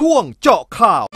ช่วงเจาะข่าว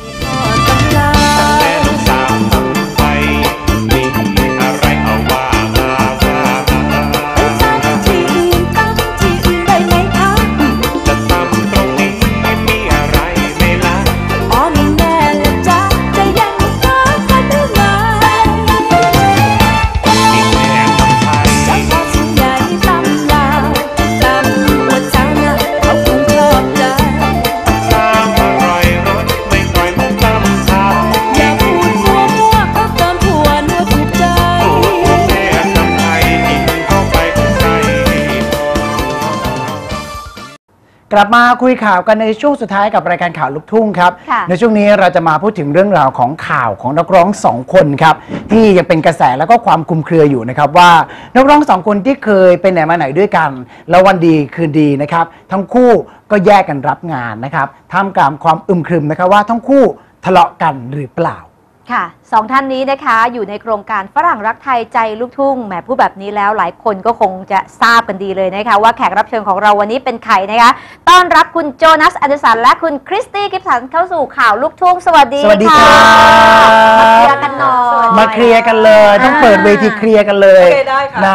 กลับมาคุยข่าวกันในช่วงสุดท้ายกับรายการข่าวลูกทุ่งครับในช่วงนี้เราจะมาพูดถึงเรื่องราวของข่าวของนักร้องสองคนครับที่ยังเป็นกระแสแล้วก็ความคลุมเครืออยู่นะครับว่านักร้องสองคนที่เคยไปไหนมาไหนด้วยกันแล้ววันดีคืนดีนะครับทั้งคู่ก็แยกกันรับงานนะครับท่ามกลางความอึมครึมนะครับว่าทั้งคู่ทะเลาะกันหรือเปล่าค่ะสองท่านนี้นะคะอยู่ในโครงการฝรั่งรักไทยใจลูกทุ่งแหมพูดแบบนี้แล้วหลายคนก็คงจะทราบกันดีเลยนะคะว่าแขกรับเชิญของเราวันนี้เป็นใครนะคะต้อนรับคุณโจนัส แอนเดอร์สันและคุณคริสตี้ กิฟสันเข้าสู่ข่าวลูกทุ่งสวัสดีค่ะมาเคลียร์กันหน่อยมาเคลียร์กันเลยต้องเปิดเวทีเคลียร์กันเลยนะ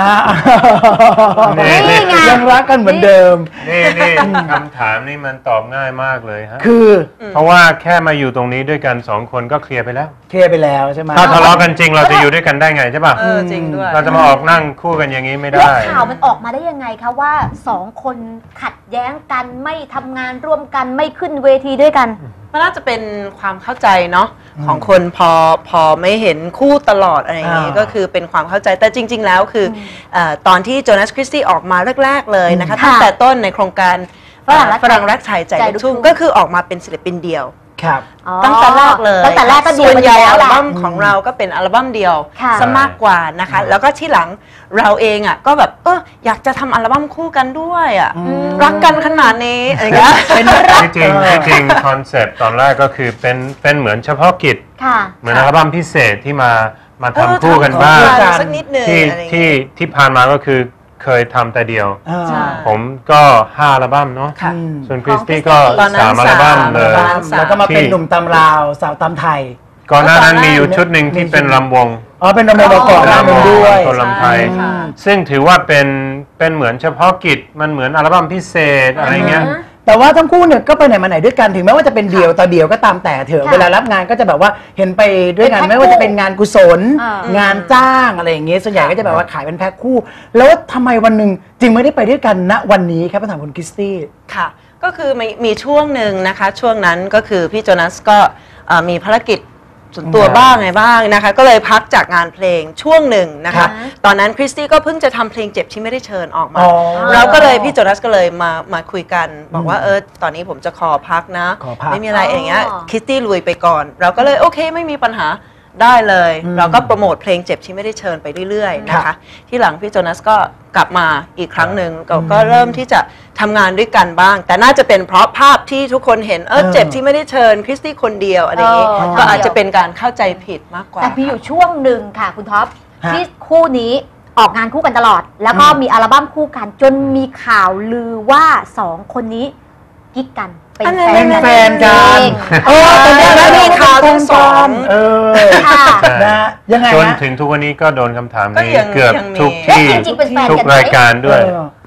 ยังรักกันเหมือนเดิมนี่คำถามนี่มันตอบง่ายมากเลยฮะคือเพราะว่าแค่มาอยู่ตรงนี้ด้วยกันสองคนก็เคลียร์ไปแล้วเคลียร์ไปแล้วใช่ไหมถ้าทะเลาะกันจริงเราจะอยู่ด้วยกันได้ไงใช่ป่ะจริงด้วยเราจะมาออกนั่งคู่กันอย่างนี้ไม่ได้แล้วข่าวมันออกมาได้ยังไงคะว่าสองคนขัดแย้งกันไม่ทำงานร่วมกันไม่ขึ้นเวทีด้วยกันมันน่าจะเป็นความเข้าใจเนาะของคนพอไม่เห็นคู่ตลอดอะไรอย่างนี้ก็คือเป็นความเข้าใจแต่จริงๆแล้วคือตอนที่โจนัส คริสตี้ออกมาแรกๆเลยนะคะตั้งแต่ต้นในโครงการฝรั่งรักไทยใจลูกทุ่งก็คือออกมาเป็นศิลปินเดียวตั้งแต่แรกเลยส่วนใหญ่อัลบั้มของเราก็เป็นอัลบั้มเดียวซะมากกว่านะคะแล้วก็ที่หลังเราเองอ่ะก็แบบอยากจะทำอัลบั้มคู่กันด้วยอ่ะรักกันขนาดนี้อะไรเงี้ยจริงคอนเซปต์ตอนแรกก็คือเป็นเหมือนเฉพาะกิจเหมือนอัลบั้มพิเศษที่มาทำคู่กันบ้างที่ผ่านมาก็คือเคยทำแต่เดียวผมก็5 อัลบั้มเนาะส่วนคริสตี้ก็3 อัลบั้มเลยแล้วก็มาเป็นหนุ่มตำราวสาวตำไทยก่อนหน้านั้นมีอยู่ชุดหนึ่งที่เป็นลำวงเป็นลำวงมาก่อนหน้านั้นด้วยตัวลำไทยซึ่งถือว่าเป็นเหมือนเฉพาะกิจมันเหมือนอัลบั้มพิเศษอะไรเงี้ยแต่ว่าทั้งคู่เนี่ยก็ไปไหนมาไหนด้วยกันถึงแม้ว่าจะเป็นเดี่ยวต่อเดี่ยวก็ตามแต่เถอะเวลารับงานก็จะแบบว่าเห็นไปด้วยกันไม่ว่าจะเป็นงานกุศลงานจ้างอะไรอย่างเงี้ยส่วนใหญ่ก็จะแบบว่าขายเป็นแพ็คคู่แล้วทำไมวันหนึ่งจึงไม่ได้ไปด้วยกันณวันนี้ครับถามคุณคริสตี้ค่ะก็คือมีช่วงหนึ่งนะคะช่วงนั้นก็คือพี่โจนัสก็มีภารกิจส่วนตัวบ้างไงบ้างนะคะก็เลยพักจากงานเพลงช่วงหนึ่งนะคะตอนนั้นคริสตี้ก็เพิ่งจะทำเพลงเจ็บที่ไม่ได้เชิญออกมาเราก็เลยพี่โจนัสก็เลยมาคุยกันบอกว่าตอนนี้ผมจะขอพักนะไม่มีอะไรอย่างเงี้ยคริสตี้ลุยไปก่อนเราก็เลยโอเคไม่มีปัญหาได้เลยเราก็โปรโมทเพลงเจ็บที่ไม่ได้เชิญไปเรื่อยๆนะคะที่หลังพี่โจนัสก็กลับมาอีกครั้งหนึ่งก็เริ่มที่จะทำงานด้วยกันบ้างแต่น่าจะเป็นเพราะภาพที่ทุกคนเห็นเจ็บที่ไม่ได้เชิญคริสตี้คนเดียวอะไรอย่างนี้ก็อาจจะเป็นการเข้าใจผิดมากกว่าแต่มีอยู่ช่วงหนึ่งค่ะคุณท็อปที่คู่นี้ออกงานคู่กันตลอดแล้วก็มีอัลบั้มคู่กันจนมีข่าวลือว่า2 คนนี้กิ๊กกันเป็นแฟนกันตอนนี้มีข่าวทั้งสองนะยังไงจนถึงทุกวันนี้ก็โดนคำถามนี้เกือบทุกที่ทุกรายการด้วย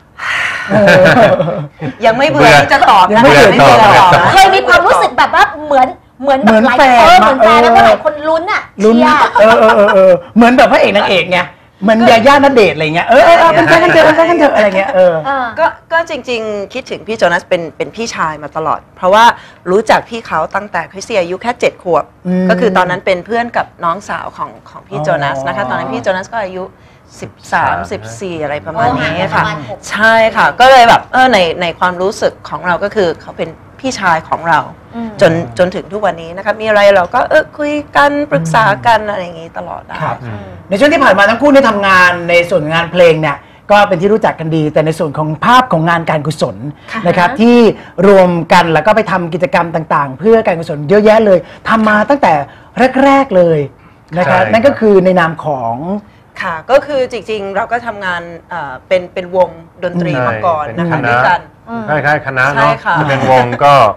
ยังไม่เบื่อที่จะตอบนะเคยมีความรู้สึกแบบว่าเหมือนหลายคนเหมือนแฟนแล้วก็หลายคนลุ้นอ่ะเหมือนแบบพระเอกนางเอกไงเหมือนยาย่าณเดชน์อะไรเงี้ยเป็นแฟนกันเถอะอะไรเงี้ยก็จริงๆคิดถึงพี่โจนัสเป็นพี่ชายมาตลอดเพราะว่ารู้จักพี่เขาตั้งแต่คริสตี้อายุแค่7 ขวบก็คือตอนนั้นเป็นเพื่อนกับน้องสาวของพี่โจนัสนะคะตอนนั้นพี่โจนัสก็อายุ13-14อะไรประมาณนี้ค่ะใช่ค่ะก็เลยแบบในความรู้สึกของเราก็คือเขาเป็นพี่ชายของเราจนถึงทุกวันนี้นะคะมีอะไรเราก็คุยกันปรึกษากันอะไรอย่างนี้ตลอดครับในช่วงที่ผ่านมาทั้งคู่ได้ทำงานในส่วนงานเพลงเนี่ยก็เป็นที่รู้จักกันดีแต่ในส่วนของภาพของงานการกุศลนะครับที่รวมกันแล้วก็ไปทำกิจกรรมต่างๆเพื่อการกุศลเยอะแยะเลยทำมาตั้งแต่แรกๆเลยนะครับนั่นก็คือในนามของค่ะก็คือจริงๆเราก็ทำงานเป็นวงดนตรีมาก่อนนะคะด้วยกันคล้ายๆคณะเนาะเป็นวงก็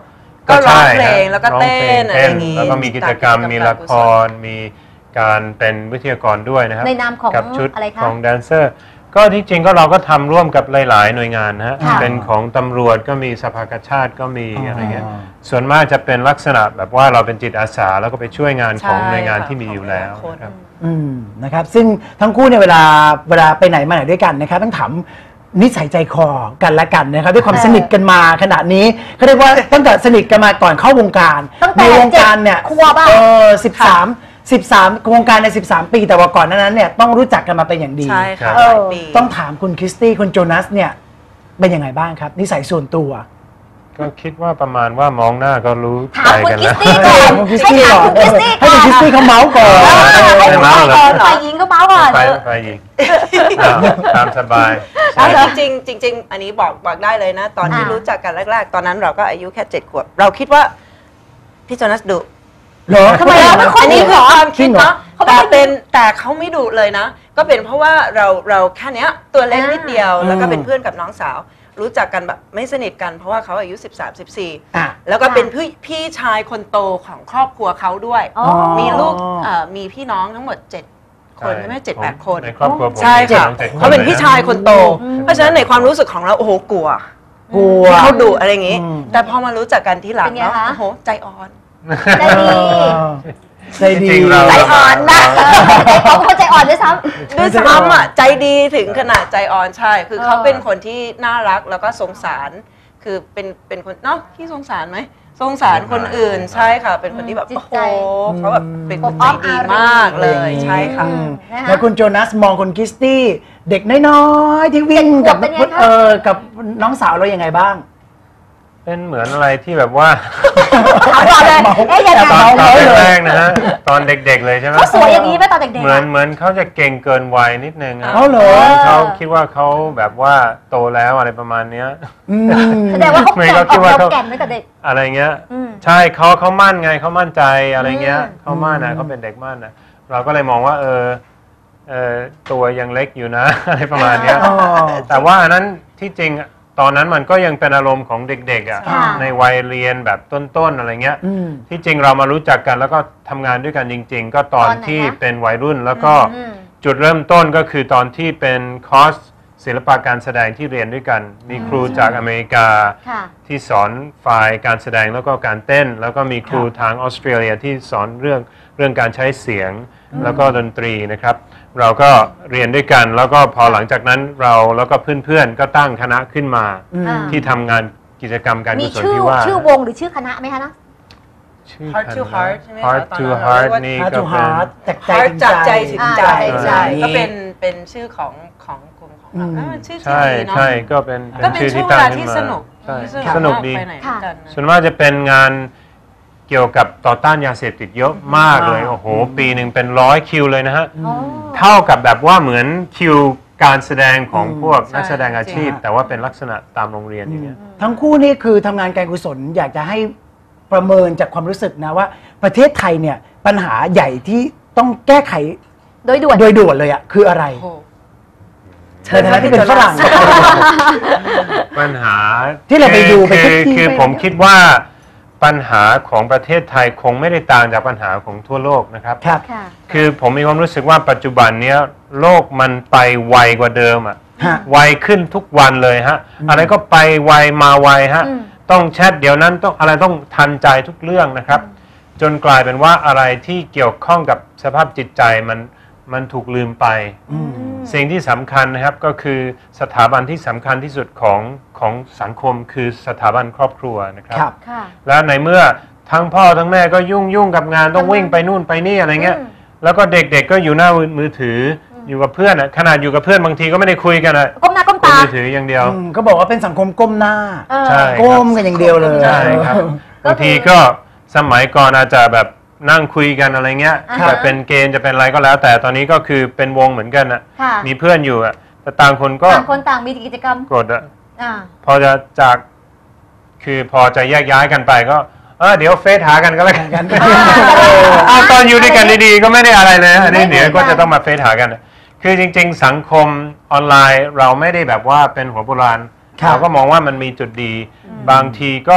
ก็ร้องเพลงแล้วก็เต้นอะไรอย่างงี้แล้วก็มีกิจกรรมมีละครมีการเป็นวิทยากรด้วยนะครับในนามของกับชุดอะไรคะของแดนเซอร์ก็ที่จริงก็เราก็ทำร่วมกับหลายๆหน่วยงานนะฮะค่ะเป็นของตำรวจก็มีสภากาชาติก็มีอ๋อออะไรเงี้ยส่วนมากจะเป็นลักษณะแบบว่าเราเป็นจิตอาสาแล้วก็ไปช่วยงานของหน่วยงานที่มีอยู่แล้วนะครับนะครับซึ่งทั้งคู่เนี่ยเวลาไปไหนมาไหนด้วยกันนะครับต้องถามนิสัยใจคอกันและกันนะครับด้วยความสนิทกันมาขนาดนี้เขาเรียกว่าตั้งแต่สนิทกันมาก่อนเข้าวงการตั้งแต่ในวงการเนี่ย 7 ขวบอะ 13วงการใน13 ปีแต่ว่าก่อนหนานั้นเนี่ยต้องรู้จักกันมาเป็นอย่างดีใช่ค่ะเออหลายปีต้องถามคุณคริสตี้คุณโจนัสเนี่ยเป็นยังไงบ้างครับนิสัยส่วนตัวก็คิดว่าประมาณว่ามองหน้าก็รู้ถาใจมคุณกันคริแล้สวตี้ก่อนคุณคริสให้ตี้ถามก่อนคุณคริสตี้ให้ก่อนคุณคริสตี้เขาเมาส์ก่อนให้คุณเมาส์เหรอฝ่ายหญิงก็เมาส์ก่อนไปอีกตามสบายจริงๆอันนี้บอกได้เลยนะ ตอนที่อ่ารู้รู้จักกันแรกๆ ตอนนั้นเราก็อายุแค่7 ขวบ เราคิดว่าพี่โจนัสดุเหรอทำไมเราไม่ค่อยอันนี้คือความคิดเนาะเขาไม่ค่อยแต่เขาไม่ดุเลยนะ ก็เป็นเพราะว่าเราแค่เนี้ยตัวเล็กนิดเดียว แล้วก็เป็นเพื่อนกับน้องสาว รู้จักกันแบบไม่สนิทกันเพราะว่าเขาอายุ13-14 อ่ะแล้วก็เป็นพี่ชายคนโตของครอบครัวเขาด้วยอ๋อมีลูกมีพี่น้องทั้งหมด7 คนใช่ไหม7-8 คนในครอบครัวผมใช่ค่ะมีน้อง7 เขาเป็นพี่ชายคนโตอืมเพราะฉะนั้นในความรู้สึกของเราโอ้โหกลัวกลัวเขาดุอะไรอย่างงี้อืมแต่พอมารู้จักกันทีหลังเป็นไงเนาะคะโอ้โหใจอ่อนใจดีใจดีจริงๆเราใจอ่อนนะเขาเป็นคนใจอ่อนด้วยซ้ำด้วยซ้ำอ่ะใจดีถึงขนาดใจอ่อนใช่ คือเขาเป็นคนที่น่ารักแล้วก็สงสาร คือเป็นคนเนาะที่สงสารไหมสงสารคนอื่นใช่ค่ะ เป็นคนที่แบบจิตโอ้โหใจเขาแบบเป็นคนใจดีมากเลยใช่ค่ะนะคะแล้วคุณโจนัสมองคุณคริสตี้เด็กน้อยๆที่วิ่งกับเป็นไงคะกับน้องสาวเรายังไงบ้างเป็นเหมือนอะไรที่แบบว่าถามก่อนเลยเอ๊ะยังไงตอนเมาส์เลยแรกๆนะฮะตอนเด็กๆเลยใช่ไหมเขาสวยอย่างนี้ไหมตอนเด็กเหๆอะมือนเขาจะเก่งเกินวัยนิดนึงอะเอาเหรอเขาคิดว่าเขาแบบว่าโตแล้วอะไรประมาณเนี้ยอืมแสดงว่าเขาไม่แก่เขาคิดว่าเขาแก่นตั้งแต่เด็กอะไรเงี้ยอืมใช่เขามั่นไงเขามั่นใจอะไรเงี้ยอืมเขามั่นนะเขาเป็นเด็กมั่นนะเราก็เลยมองว่าตัวยังเล็กอยู่นะ อะไรประมาณเนี้ยอ๋อแต่ว่าอันนั้นที่จริงตอนนั้นมันก็ยังเป็นอารมณ์ของเด็กๆอ่ะค่ะในวัยเรียนแบบต้นๆอะไรเงี้ยอืมที่จริงเรามารู้จักกันแล้วก็ทำงานด้วยกันจริง ๆ ก็ตอนตอนไหนที่คะเป็นวัยรุ่นแล้วก็อืมจุดเริ่มต้นก็คือตอนที่เป็นคอร์สศิลปะการแสดงที่เรียนด้วยกัน มีครูจากอเมริกาค่ะที่สอนฝ่ายการแสดงแล้วก็การเต้น แล้วก็มีครูครับทางออสเตรเลียที่สอนเรื่องการใช้เสียงแล้วก็ดนตรีนะครับ เราก็เรียนด้วยกันแล้วก็พอหลังจากนั้นเราแล้วก็เพื่อนๆก็ตั้งคณะขึ้นมาอืมอ่าที่ทำงานกิจกรรมการมีกุศลชื่อที่ว่าชื่อวงหรือชื่อคณะไหมคะนะชื่อ Heart to คณะ Heart ใช่ไหมคะ Heart ตอน to นั้นเรา Heart เรียกว่านี่ Heart ก็ to เป็น Heart จากใจ Heart ถึงจากใจใจถึงใจใช่ก็เป็นชื่อของกลุ่มของเรามันชื่อที่ใช่ดีเนาะใช่ก็เป็นก็เป็นชื่อช่วที่งเวตั้งลาขึ้ที่นมาสนุกใช่ที่สนุกดีไปไหนด้วยกันนะส่วนมากจะเป็นงานเกี่ยวกับต่อต้านยาเสพติดเยอะมากเลย โอ้โห ปีหนึ่งเป็น100 คิวเลยนะฮะอ๋อเท่ากับแบบว่าเหมือนคิวการแสดงของพวกใช่นักแสดงอาชีพจริงแต่ว่าเป็นลักษณะตามโรงเรียนอย่างเงี้ยทั้งคู่นี่คือทำงานการกุศลอยากจะให้ประเมินจากความรู้สึกนะว่า ประเทศไทยเนี่ยปัญหาใหญ่ที่ต้องแก้ไขโดยด่วนโดยด่วนเลยอ่ะคืออะไรโอ้โหในฐานะที่เป็นฝรั่งปัญหาที่เราไปดูไปคือทุกที่คือไปผมคิดว่าปัญหาของประเทศไทยคงไม่ได้ต่างจากปัญหาของทั่วโลกนะครับครับค่ะคือผมมีความรู้สึกว่าปัจจุบันเนี้ยโลกมันไปไวกว่าเดิมอ่ะฮะไวขึ้นทุกวันเลยฮะ อะไรก็ไปไวมาไวฮะอืมต้องแชทเดี๋ยวนั้นต้องอะไรต้องทันใจทุกเรื่องนะครับ จนกลายเป็นว่าอะไรที่เกี่ยวข้องกับสภาพจิตใจมันถูกลืมไป สิ่งที่สำคัญนะครับก็คือสถาบันที่สำคัญที่สุดของสังคมคือสถาบันครอบครัวนะครับครับค่ะแล้วในเมื่อทั้งพ่อทั้งแม่ก็ยุ่งกับงานต้องวิ่งไปนู่นไปนี่อะไรเงี้ยอืมแล้วก็เด็กๆก็อยู่หน้ามือถืออยู่กับเพื่อนอะขนาดอยู่กับเพื่อนบางทีก็ไม่ได้คุยกันอะก้มหน้าก้มเป็นตามือถืออย่างเดียวก็บอกว่าเป็นสังคมก้มหน้าเออใช่ก้มกันอย่างเดียวเลยใช่ครับบางทีก็สมัยก่อนอาจจะแบบนั่งคุยกันอะไรเงี้ยอ่าฮะแบบเป็นเกณฑ์จะเป็นอะไรก็แล้ว แต่ตอนนี้ก็คือเป็นวงเหมือนกันอะค่ะมีเพื่อนอยู่อะแต่ต่างคนก็ต่างคนต่างมีกิจกรรมกดอะอ่าพอจะจากคือพอจะแยกย้ายกันไปก็เดี๋ยวเฟซหากันก็แล้วกันตอนอยู่ด้วยกันดีๆก็ไม่ได้อะไรเลยอันนี้เดี๋ยวก็จะต้องมาเฟซหากัน คือจริงๆสังคมออนไลน์เราไม่ได้แบบว่าเป็นหัวโบราณครับเราก็มองว่ามันมีจุดดี บางทีก็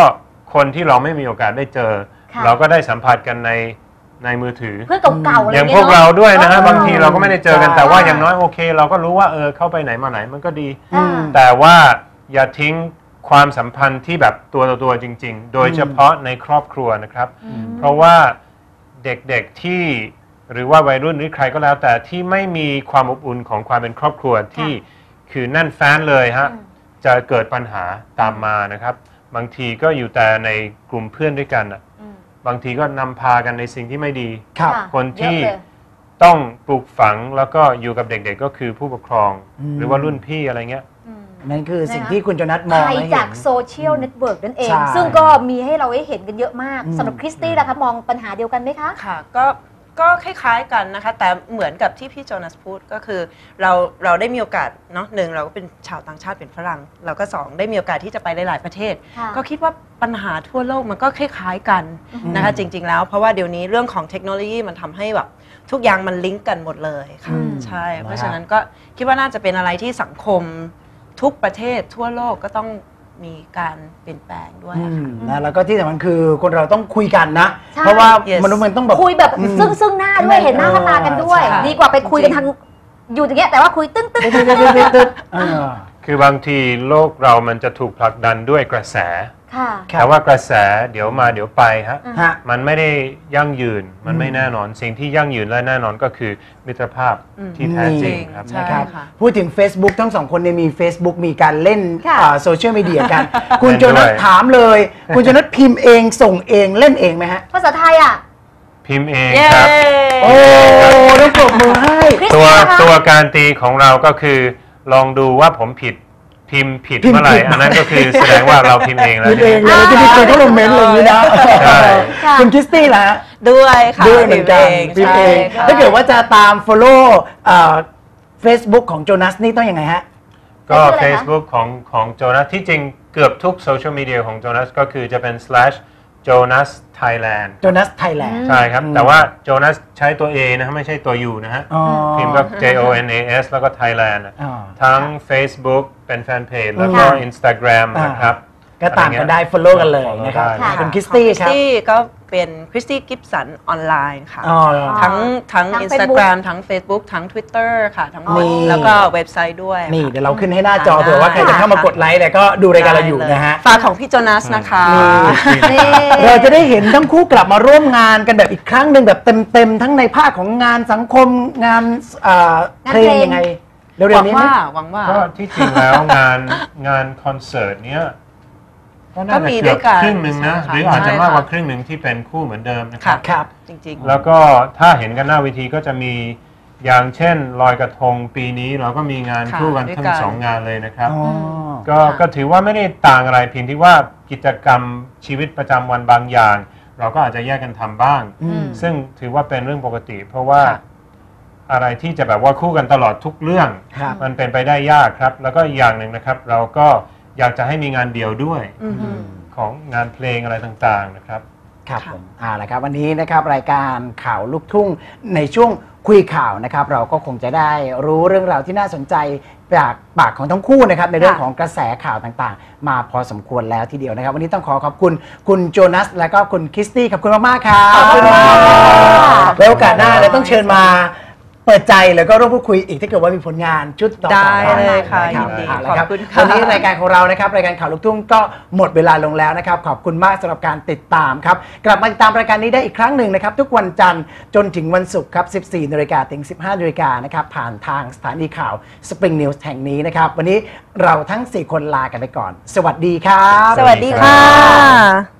คนที่เราไม่มีโอกาสได้เจอ เราก็ได้สัมผัสกันในมือถือเพื่อนเก่าๆอะไรอย่างเงี้พยวกเราด้วยนะฮะเออบางทีเราก็ไม่ได้เจอกันใช่แต่ว่าอย่างน้อยโอเค เราก็รู้ว่าเข้าไปไหนมาไหนมันก็ดีอ่าแต่ว่าอย่าทิ้งความสัมพันธ์ที่แบบตัวต่อตัวจริง ๆ โดยเฉพาะในครอบครัวนะครับ เพราะว่าเด็กๆที่หรือว่าวัยรุ่นหรือใครก็แล้ว แต่ที่ไม่มีความอบอุ่นของความเป็นครอบครัวที่คือแน่นแฟ้นเลยฮะจะเกิดปัญหาตามมานะครับ บางทีก็อยู่แต่ในกลุ่มเพื่อนด้วยกันน่ะบางทีก็นำพากันในสิ่งที่ไม่ดีครับค่ะคนที่เยอะเลยต้องปลูกฝังแล้วก็อยู่กับเด็กๆก็คือผู้ปกครอง หรือว่ารุ่นพี่อะไรเงี้ยนั่นคือสิ่งที่คุณโจนัสมองภัยและเห็จากนโซเชียลเน็ตเวิร์กนั่นเองใช่ซึ่งก็มีให้เราได้เห็นกันเยอะมากอืมสำหรับคริสตี้ล่ะคะมองปัญหาเดียวกันไหมคะค่ะก็คล้ายๆกันนะคะแต่เหมือนกับที่พี่โจนัสพูดก็คือเราได้มีโอกาสเนาะหนึ่งเราก็เป็นชาวต่างชาติเป็นฝรั่งเราก็สองได้มีโอกาสที่จะไปหลายๆประเทศค่ะก็คิดว่าปัญหาทั่วโลกมันก็คล้ายๆกันนะคะจริงๆแล้วเพราะว่าเดี๋ยวนี้เรื่องของเทคโนโลยีมันทำให้แบบทุกอย่างมันลิงก์กันหมดเลยค่ะอืมใช่นะครับเพราะฉะนั้นก็คิดว่าน่าจะเป็นอะไรที่สังคมทุกประเทศทั่วโลกก็ต้องมีการเปลี่ยนแปลงด้วยอะค่ะนะแล้วก็ที่สำคัญคือคนเราต้องคุยกันนะใช่เพราะว่า Yes มนุษย์มันต้องแบบคุยแบบอืมซึ่งหน้าด้วยเห็นหน้าค่าตากันด้วยใช่ดีกว่าไปคุยกันทางอยู่อย่างเงี้ยแต่ว่าคุยตึ้งเออคือบางทีโลกเรามันจะถูกผลักดันด้วยกระแสค่ะครับแต่ว่ากระแสเดี๋ยวมาเดี๋ยวไปฮะฮะมันไม่ได้ยั่งยืนมันไม่แน่นอน สิ่งที่ยั่งยืนและแน่นอนก็คือมิตรภาพที่แท้จริงครับใช่นะครับค่ะพูดถึง Facebook ทั้งสองคนเนี่ยมี Facebook มีการเล่นค่ะโซเชียลมีเดียกัน คุณเล่นโจนัสด้วยถามเลย คุณโจนัสพิมพ์เองส่งเองเล่นเองไหมฮะภาษาไทยอ่ะพิมพ์เองเย้ครับโอ้ต้องปรบมือให้คริสตัวนะคะตัวการตีของเราก็คือลองดูว่าผมผิดพิมพ์ผิดพิมพ์เมื่อไหร่ผิดอันนั้นก็คือแสดงว่าเราพิมพ์เองแล้วพิมพ์เองเลยที่มีคนเข้ามาเมนต์อะไรอย่างนี้นะใช่ค่ะคุณคริสตี้ล่ะฮะด้วยค่ะด้วยเหมือนกันพิพิมมพ์พ์เอเอง งค่ะถ้าเกิดว่าจะตาม follow Facebook ของโจนัสนี่ต้องยังไงฮะก็ชื่ออะไรคะ Facebook ของโจนัสที่จริงเกือบทุกโซเชียลมีเดียของโจนัสก็คือจะเป็น /Jonas Thailand โจนัสไทยแลนด์ใช่ครับ แต่ว่าโจนัสใช้ตัว A นะฮะไม่ใช่ตัว U นะฮะ พิมพ์ก็ JONAS แล้วก็ Thailand อะอ๋อทั้ง Facebook เป็นแฟนเพจแล้วก็ค่ะ Instagram นะครับก็ตามกันได้ follow กันเลยนะครับ follow ได้คุณคริสตี้ครับก็เป็นคริสตี้กิฟสันออนไลน์ค่ะอ๋อทั้งทั้ง Instagram ทั้ง Facebook ทั้ง Twitter ค่ะทั้งหมดนี่แล้วก็เว็บไซต์ด้วยนี่ค่ะเดี๋ยวเราขึ้นให้หน้าจอค่ะเผื่อว่าใครจะเข้ามากดไลค์เนี่ยก็ดูรายการเราอยู่นะฮะฝากของพี่โจนัสนะคะนี่เราจะได้เห็นทั้งคู่กลับมาร่วมงานกันแบบอีกครั้งหนึ่งแบบเต็มๆ ทั้งในภาคของงานสังคมงานเพลงยังไง เร็หวัวงๆนี้ไหมว่าก็ที่จริงแล้วงานคอนเสิร์ตเนี้ยก็น่าก็จะมีเกืด้อวบยกันครึ่งหนึ่งนะใช่ค่ะหรืออาจจะใช่มากกว่าค่ะครึ่งหนึ่งที่เป็นคู่เหมือนเดิมนะคค่ะรับครับจริงแล้วก็ถ้าเห็นกันหน้าเวทีก็จะมีอย่างเช่นลอยกระทงปีนี้เราก็มีงานค่ะคู่กันด้วยทั้กังนสองงานเลยนะครับอ๋อก็ถือว่าไม่ได้ต่างอะไรเพียงที่ว่ากิจกรรมชีวิตประจำวันบางอย่าง เราก็อาจจะแยกกันทำบ้างอืมซึ่งถือว่าเป็นเรื่องปกติ เพราะว่าค่ะอะไรที่จะแบบว่าคู่กันตลอดทุกเรื่องครับมันเป็นไปได้ยากครับ แล้วก็อีกอย่างหนึ่งนะครับ เราก็อยากจะให้มีงานเดี่ยวด้วยอือฮึของงานเพลงอะไรต่างๆนะครับครับค่ะผมละครับวันนี้นะครับรายการข่าวลูกทุ่งในช่วงคุยข่าวนะครับ เราก็คงจะได้รู้เรื่องราวที่น่าสนใจจากปากของทั้งคู่นะครับในเรื่องของกระแสข่าวต่างๆ มาพอสมควรแล้วทีเดียวนะครับ วันนี้ต้องขอขอบคุณคุณโจนัสและก็คุณคริสตี้ขอบคุณมากๆครับขอบคุณมากค่ะแล้วโอกาสหน้าเราต้องเชิญมาเปิดใจแล้วก็ร่วมพูดคุยอีกถ้าเกิดว่ามีผลงานชุดต่อๆได้ไปเลยค่ะนรับยินดีเอาละครับขอบคุณค่ะวันนี้รายการของเรานะครับรายการข่าวลูกทุ่งก็หมดเวลาลงแล้วนะครับขอบคุณมากสำหรับการติดตามครับกลับมาติดตามรายการนี้ได้อีกครั้งหนึ่งนะครับทุกวันจันทร์จนถึงวันศุกร์ครับ 14 นาฬิกาถึง 15 นาฬิกานะครับผ่านทางสถานีข่าว Spring News แห่งนี้นะครับวันนี้เราทั้ง 4 คนลากันไปก่อน สวัสดีครับสวัสดีค่ะ